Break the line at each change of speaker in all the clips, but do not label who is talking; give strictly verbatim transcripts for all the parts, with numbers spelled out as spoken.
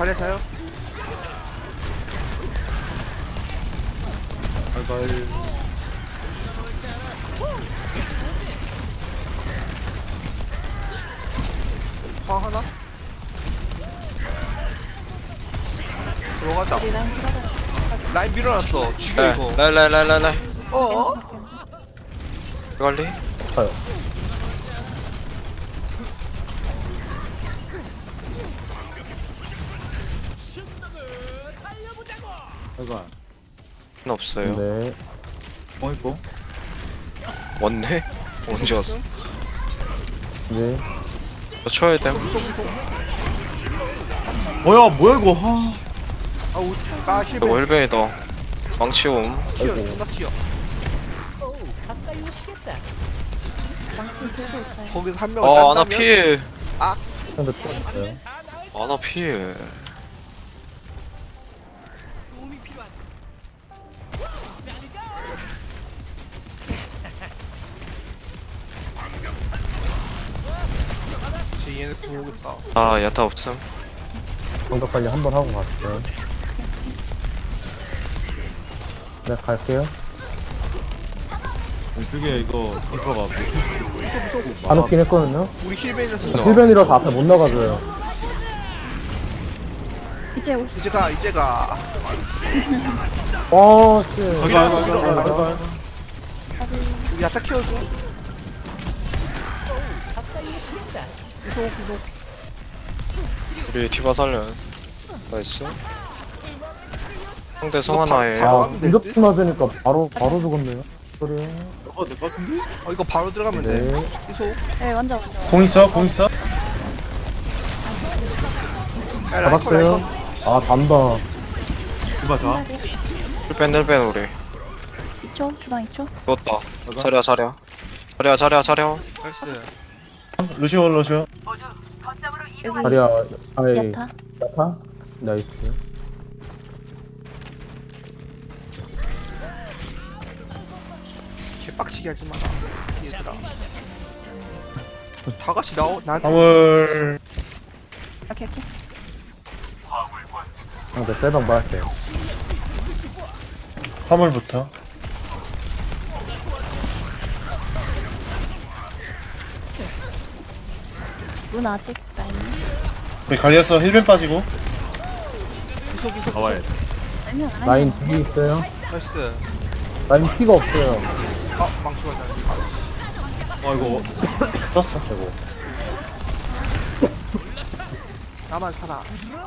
잘해 자요.
발발.
화 하나? 들어가자.
우리 라인 들어가.
라인 밀어놨어. 죽여
네,
이거.
라이 라이 라이 라이 라이
어?
관리.
가요. 발발.
없어요.
네. 어 있고.
왔네? 언제 왔어?
네.
저 쳐야 됨.
뭐야 뭐야 이거. 하.
아우 아
이거
힐베.
힐베이다. 망치옴.
튀어.
아이고.
존나 튀어.
망치 들고 있어요.
거기서 한 명을
아, 아나
딴다면?
필.
근데 또 있어요.
아나 필.
쟤 얘네 보겠다.
아, 야타 없음.
공격 관리 한 번 하고 갈게요. 네 갈게요.
그게 이거 탱커가
안 웃긴 했거든요.
우리 힐베이라서
힐벤이라서 앞에 못 나가줘요.
이제 올
이제 가 이제 가.
어 씨.
아이고 아이고 아이고 아이고 아이고
우리 야타 키워줘. 구속 구속.
우리 디바 살려. 나이스. 상대 송하나예요.
아 공격수 맞으니까 바로 바로 죽었네요. 소리.
어, 될것 같은데?
어 이거 바로 들어가면 돼.
네.
구속.
네, 완전 완전.
공 있어? 공 있어?
야, 라이커,
잡았어요.
라이커.
아 단다.
이봐 자
힐벤 힐벤 우리.
이 초, 주방 이 초.
죽었다. 자리야 자리야. 자리야 자리야 자리야.
나이스.
루시오 루시오
여기
다리야. 아이.
야타.
야타. 나이스.
개빡치게 하지 마. 얘들아. 다 같이 나오 나한테.
화물
오케이 오케이.
상대 셀방 맞았어요.
화물부터
문 아직 라인.
우리 갈렸어 힐벤 빠지고
구속 구속.
나와야 돼
아니야 아니야.
라인 뒤에 있어요.
나이스.
라인 피가 없어요.
아 망치가 나.
아이고 떴어
아이고.
나만 살아.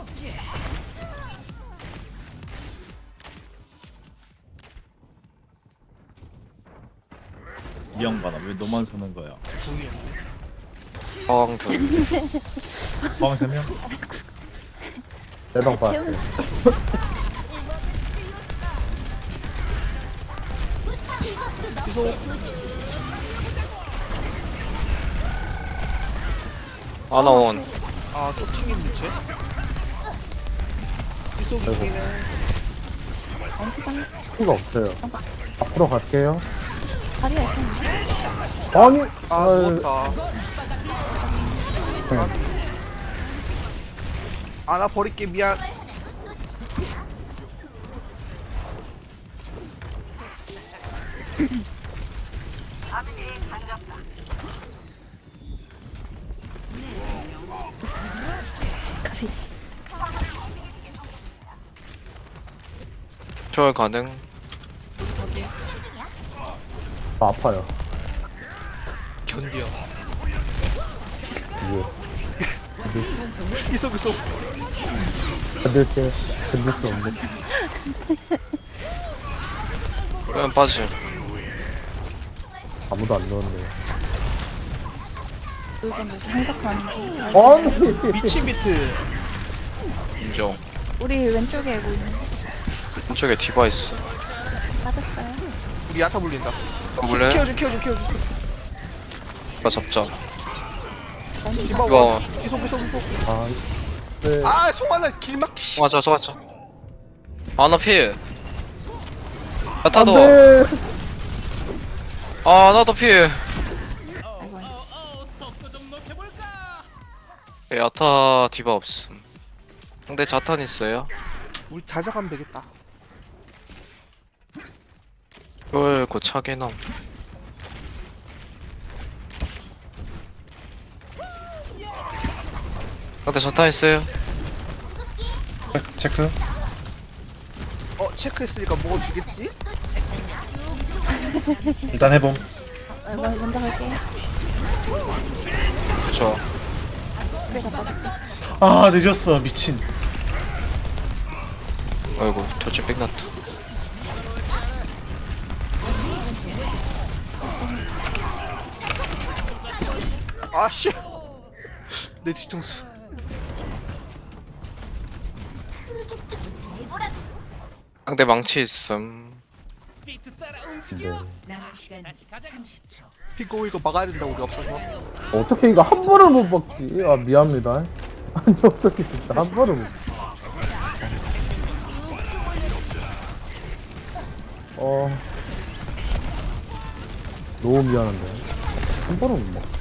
이 양반아 왜 너만 서는 거야
두개.
화강 둘.
방 세 명?
셀방
채우는
맞았어요.
아나 원.
아또 튕겼네 쟤. 구속 이기네.
라인
피가 없어요. 앞으로 갈게요.
다리가 있었는데.
아니.
아
아,
누웠다. 아나 버릴게 미안.
카피.
초월 가능.
아, 아파요.
견뎌.
이게
구속 구속.
견딜 때 견딜 수 없는.
힐벤 빠짐.
아무도 안 넣었네.
이건 무슨 생각하는
아니.
미친 비트.
인정.
우리 왼쪽에 뭐 있는
왼쪽에 디바 있어.
빠졌어요.
우리 야타 물린다.
볼래?
키워줘 키워줘 키워줘.
디바 잡자.
디바
이거
원. 구속 구속 구속.
아. 네.
아 송하나 길막기 씨.
맞아 맞아. 아나 필. 야타도.
네.
아 나도 필.
아이고 아이고.
야타 디바 없음. 상대 자탄 있어요.
우리 자작하면 되겠다.
쫄 고차게 넘. 상대 자탄 있어요.
체크.
어 체크했으니까 먹어주겠지?
일단 해봄.
어, 먼- 먼저 갈게요.
그쵸.
내가 빠질게.
아 늦었어 미친.
아이고 돌진 빽났다.
아씨. 내 뒤통수.
상대 망치 있음.
피고 이거 막아야 된다 우리 없어서.
어떻게 이거 한 번을 못 박지? 아 미안합니다. 아니 어떻게 진짜 한 번을 못. 어. 너무 미안한데. 한 번을 못 먹.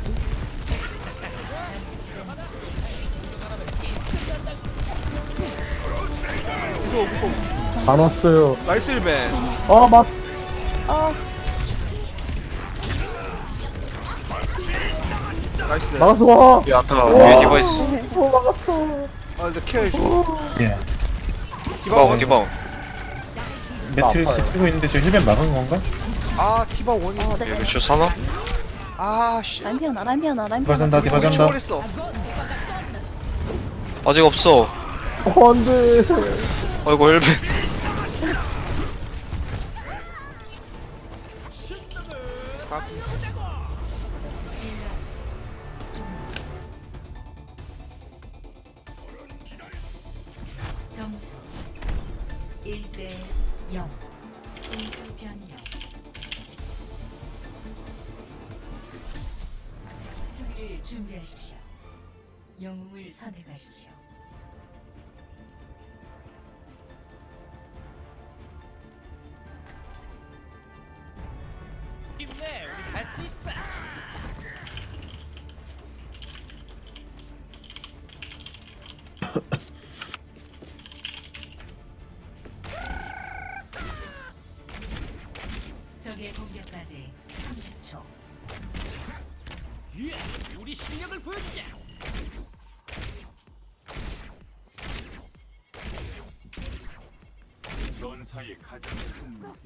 무서워 무서워.
안 왔어요.
나이스 일맨.
아 맞.
나이스.
막았어 와.
야타 위에 디바 있어.
어 막았어.
아 근데 케어해줘.
예.
디바원 디바원.
매트리스
아파요.
쓰고 있는데 저 힐벤 막은 건가?
아 디바 원이.
어, 네.
루슈 사나?
아씨.
라인 피어나, 라인 피어나, 라인
디바
피어나.
산다 디바 잔다.
초월했어.
아직 없어.
어 안돼.
아이고 헬멧.
점수 일 대 영. 공수 변경. 수비를 준비하십시오. 영웅을 선택하십시오.
힘내, 우리 갈 수 있어.
적의 공격까지 삼십 초.
예, 우리 실력을 보여주자.
전사의 가장 큰 무기.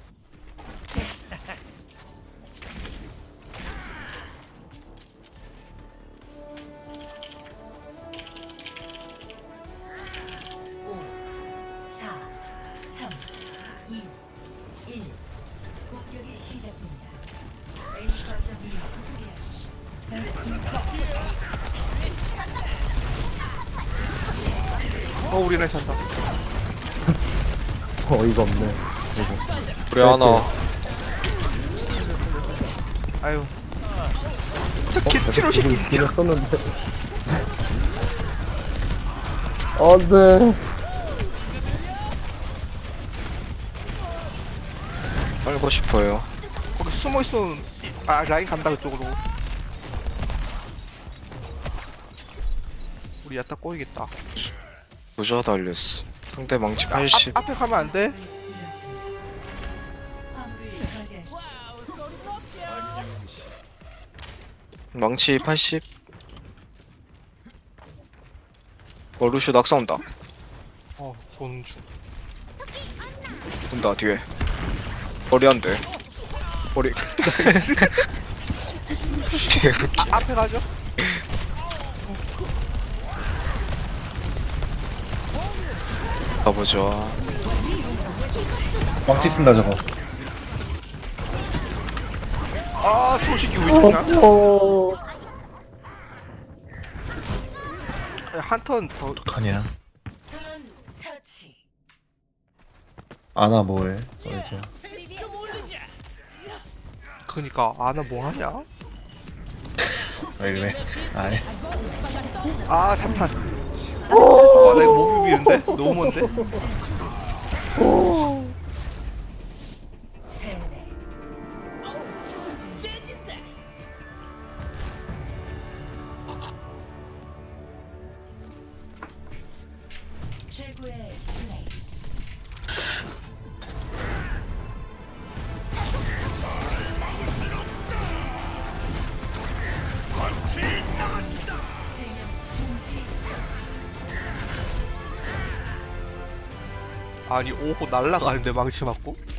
오, 사, 삼, 이, 일. 공격이 시작됩니다. A 거점을 수비하십시오.
어 우리네 찬다.
어이가 없네.
우리 하나.
아유. 저 개치로 새끼 진짜.
썼는데. 안돼.
빨고 싶어요.
거기 숨어 있으면 아 라인 간다 그쪽으로. 우리 야타 꼬이겠다.
부자 달렸어. 상대 망치 팔십.
앞, 앞에 가면 안 돼?
이었습니다. 화물을 저지하십시오.
망치 팔십. 어 루슈 낙사 온다.
어 보는 중.
온다 뒤에. 머리 안 돼. 머리.
아, 앞에 가죠?
가보자.
망치 쓴다 저거.
아, 저 새끼 왜 저냐?
어.
한 턴 더.
어떡하냐.
전 처치.
아나 뭐해? 어이구.
그니까 아나 뭐 하냐?
왜 이래? 아니.
아, 자탄. 와, 나 이거 못 비비는데? 너무 먼데?
패배.
세진다.
최고의 플레이. 세명 동시 처치.
아니 오호 날라가는데 망치 맞고